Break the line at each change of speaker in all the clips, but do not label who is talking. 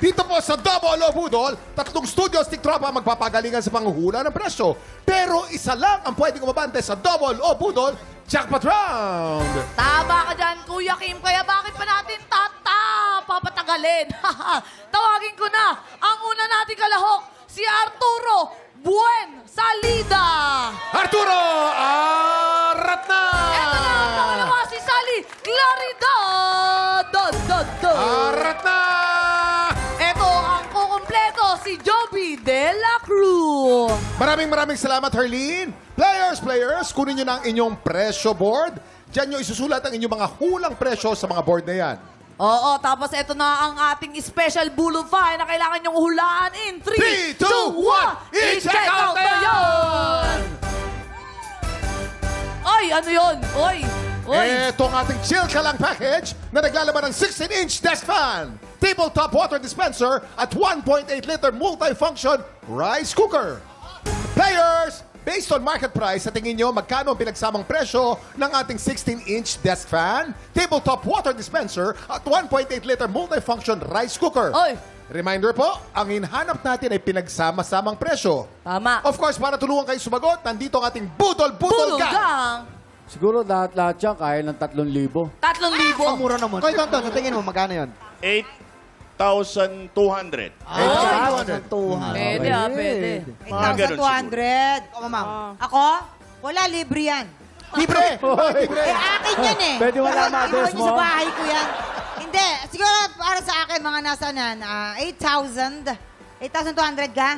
Dito po sa Double o Budol, 3 studio stick tropa ang magpapagalingan sa panghuhula ng presyo. Pero isa lang ang pwedeng umabante sa Double o Budol Jackpot Round.
Tama ka dyan, Kuya Kim. Kaya bakit pa natin papatagalin? Tawagin ko na ang una nating kalahok, si Arturo Buen Salida.
Arturo Aratna!
Ito na ang pangalawa, si Sally Claridad.
Aratna!
Ito ang kukumpleto, si Joby De La Cruz.
Maraming salamat, Herlene. Players, kunin nyo na ang inyong presyo board. Diyan nyo isusulat ang inyong mga hulang presyo sa mga board na yan.
Oo, tapos ito na ang ating special bulufay na kailangan nyong hulaan in 3, 2, 1, i-check out na yun! Ay, ano yun? Oy!
Ito ang ating chill ka lang package na naglalaman ng 16-inch desk fan, tabletop water dispenser at 1.8-liter multifunction rice cooker. Players, based on market price, sa tingin nyo, magkano ang pinagsamang presyo ng ating 16-inch desk fan, tabletop water dispenser at 1.8-liter multifunction rice cooker?
Oy!
Reminder po, ang hinahanap natin ay pinagsama-samang presyo.
Tama.
Of course, para tulungan kayo sumagot, nandito ang ating Budol Gang.
Gang!
Siguro lahat yan kaya ng 3,000.
3,000.
Mura naman. Koy, Tonton, sa tingin mo, magkano yun?
8,200.
8,200.
Pwede pwede.
Mga ganun
8,200. O, ma'am. Ako? Wala, libre yan.
Libre! Libre!
Akin yan eh.
Pwede wala ma-address
Iwan niyo sa
mo?
bahay ko yan. Hindi. Siguro para sa akin, mga nasa nan, 8,000. 8,200 ka?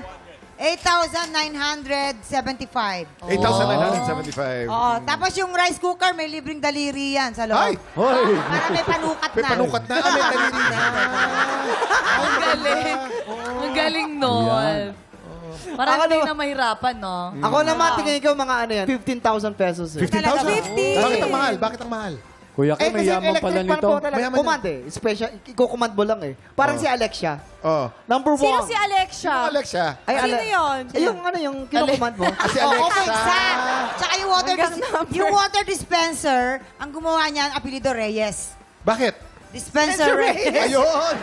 8,975.
8,975.
Oo. Tapos yung rice cooker, may libreng daliri yan sa
Ay!
loob.
Hoy!
Para may panukat
May
na.
panukat na. May daliri na.
Ang galing. Ang galing nun. Parang hindi na mahirapan, no?
Ako naman, tingin ko mga ano yan, 15,000 pesos.
15,000?
50.
Bakit ang mahal? Bakit ang mahal?
Kuya Kim, may yaman pala nito.
Mayaman
Command eh. Special, iko-command mo lang eh. Parang si Alexia.
Oh.
Number 1.
Sino si Alexia?
Ano, Alexia?
Ay,
Sino yun?
Yung ano, yung kinocommand mo.
Si
Oo,
Alexa.
exact. Tsaka yung
Hanggang
yung water dispenser, ang gumawa niyan, apelido Reyes.
Bakit?
Dispenser Reyes.
Ayun!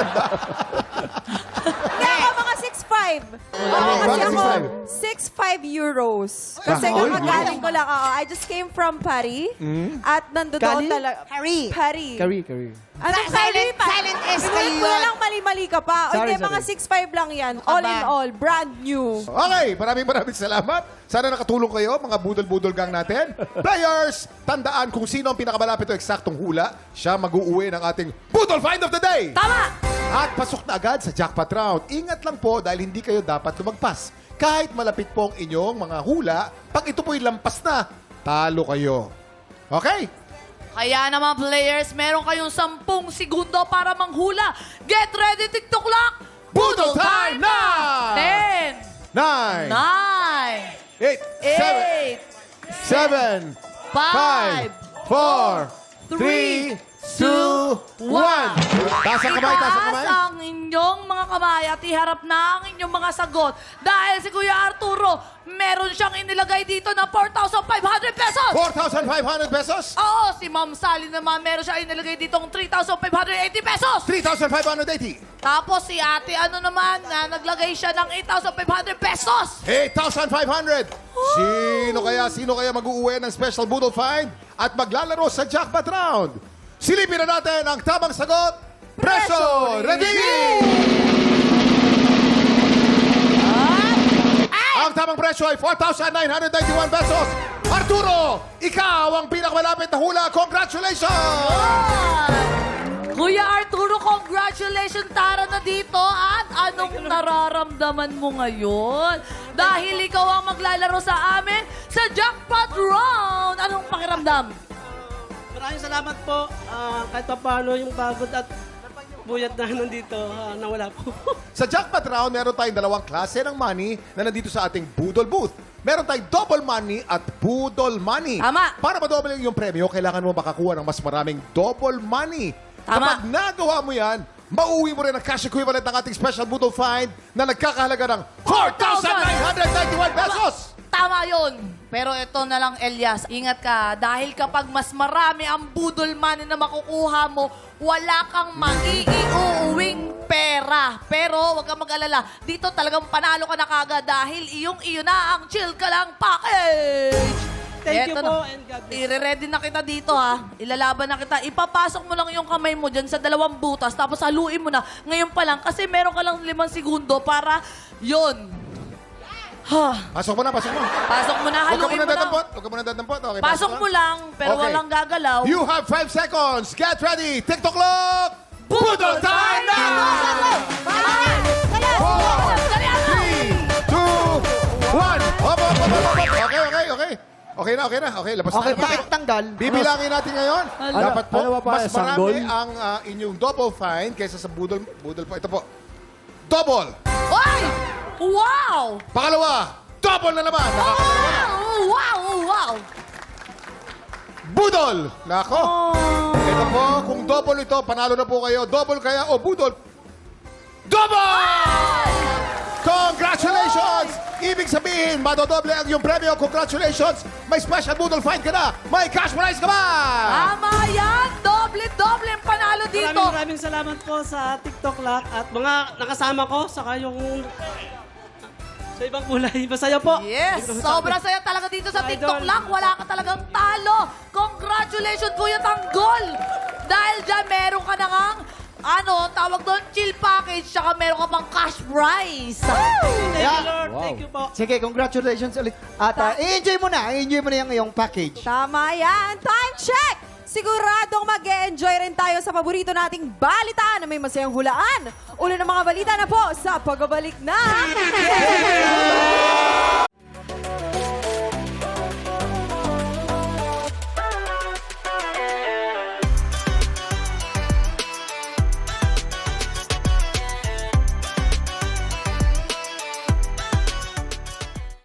Hindi ako mga 6'5". Oo, kasi
Bakit
ako
6'5"?
€6'5". Kasi
Ay,
kakagaling ko lang. I just came from Paris. At nandoon
Cali?
talaga.
Harry.
Paris.
Curry.
Ano,
Silent S kayo
Inulit mo na
yun.
lang mali-mali ka pa. O
Sorry,
hindi, mga
sorry.
6'5" lang yan. All in
ba?
all, brand new.
Okay, maraming salamat. Sana nakatulong kayo, mga budol-budol gang natin. Players, tandaan kung sino ang pinakamalapit o eksaktong hula, siya mag-uuwi ng ating Budol Find of the Day.
Tama!
At pasok na agad sa jackpot round. Ingat lang po dahil hindi kayo dapat lumagpas. Kahit malapit po ang inyong mga hula, pag ito po'y lampas na, talo kayo. Okay?
Kaya naman, players, meron kayong 10 segundo para manghula. Get ready, TikTok clock!
Budol time na!
10,
9, 8, 7,
8,
5, 4, 3, 2, 1. Taas ang kamay, taas ang kamay.
Itaas ang inyong mga kamay at iharap na ang inyong mga sagot. Dahil si Kuya Arturo, meron siyang inilagay dito na 4,500 pesos.
4,500 pesos.
Oo, si Ma'am Sally naman, meron siya inilagay dito ng 3,580 pesos.
3,580.
Tapos si ate, ano naman, na naglagay siya ng 8,500 pesos.
8,500. Sino kaya mag-uuwi ng special Budol Find at maglalaro sa jackpot round? Silipin na natin ang tamang sagot. Preso Ready! Ang tamang presyo ay 4,991 pesos. Arturo, ikaw ang pinakamalapit na hula. Congratulations!
Kuya Arturo, congratulations! Tara na dito. At anong nararamdaman mo ngayon? Dahil ikaw ang maglalaro sa amin sa Jackpot Round. Anong pakiramdam?
Maraming salamat po. Kahit pa paano yung pagod at buyat na nandito, nawala po.
Sa jackpot round, meron tayong 2 klase ng money na nandito sa ating Budol booth. Meron tayong double money at Budol money.
Tama.
Para ma-double yung premyo, kailangan mo makakuha ng mas maraming double money.
Tama.
Kapag nagawa mo yan, mauwi mo rin ang cash equivalent ng ating special Budol Find na nagkakahalaga ng 4,991 pesos!
Tama yun. Pero ito na lang, Elias, ingat ka. Dahil kapag mas marami ang budol money na makukuha mo, wala kang maiiuwing pera. ka. Pero huwag kang mag-alala. Dito talagang panalo ka na kagad dahil iyong-iyo na ang Chill Ka Lang Package.
Thank you
Eto
po
na.
and God bless.
I-ready na kita dito ha. Ilalaban na kita. Ipapasok mo lang yung kamay mo dyan sa 2 butas tapos haluin mo na ngayon pa lang kasi meron ka lang 5 segundo para yon. Ha.
Pasok mo na, pasok mo.
Pasok mo na,
Huwag ka
haluin
muna
mo na.
dadampot. Huwag ka muna dadampot. Okay,
Pasok mo lang, pero
Okay.
walang gagalaw.
You have 5 seconds. Get ready. TikTok clock. Budol time now! 4, 3, 2, 1. Hop, hop, hop, hop, hop. Okay. Okay na. Okay, labas
Okay,
na.
bakit tanggal?
Bibilangin natin ngayon.
Ano-
Dapat po,
ano ba pa,
mas
sanggol?
marami ang inyong double fine kaysa sa budol. Budol po. Ito po. Double.
Ay! Wow!
Pangalawa, double na naman.
Wow!
Budol. Nako.
Oh.
Ito po, kung double ito, panalo na po kayo. Double kaya o budol? Double! Congratulations! Ibig sabihin, madodoble ang iyong premyo. Congratulations! May special budol fine ka na. May cash prize ka ba?
Tama yan! Doble ang panalo dito.
Maraming salamat po sa TikTok Lock at mga nakasama ko, saka yung sa ibang kulay. Masaya po.
Yes!
Hindi ko
Sobrang
masabi.
saya talaga dito sa
Idol.
TikTok lang. Wala ka talagang talo. Congratulations, Kuya Tanggol! Dahil dyan, meron ka na ngang, tawag doon, chill package, tsaka meron ka pang cash prize.
Thank you, Lord.
Wow.
Thank you po.
Sige, congratulations ulit. At i-enjoy mo na yung iyong package.
Tama yan. Time check! Siguradong mag-e-enjoy rin tayo sa paborito nating balitaan na may masayang hulaan. Ulo ng mga balita na po sa pagbabalik na...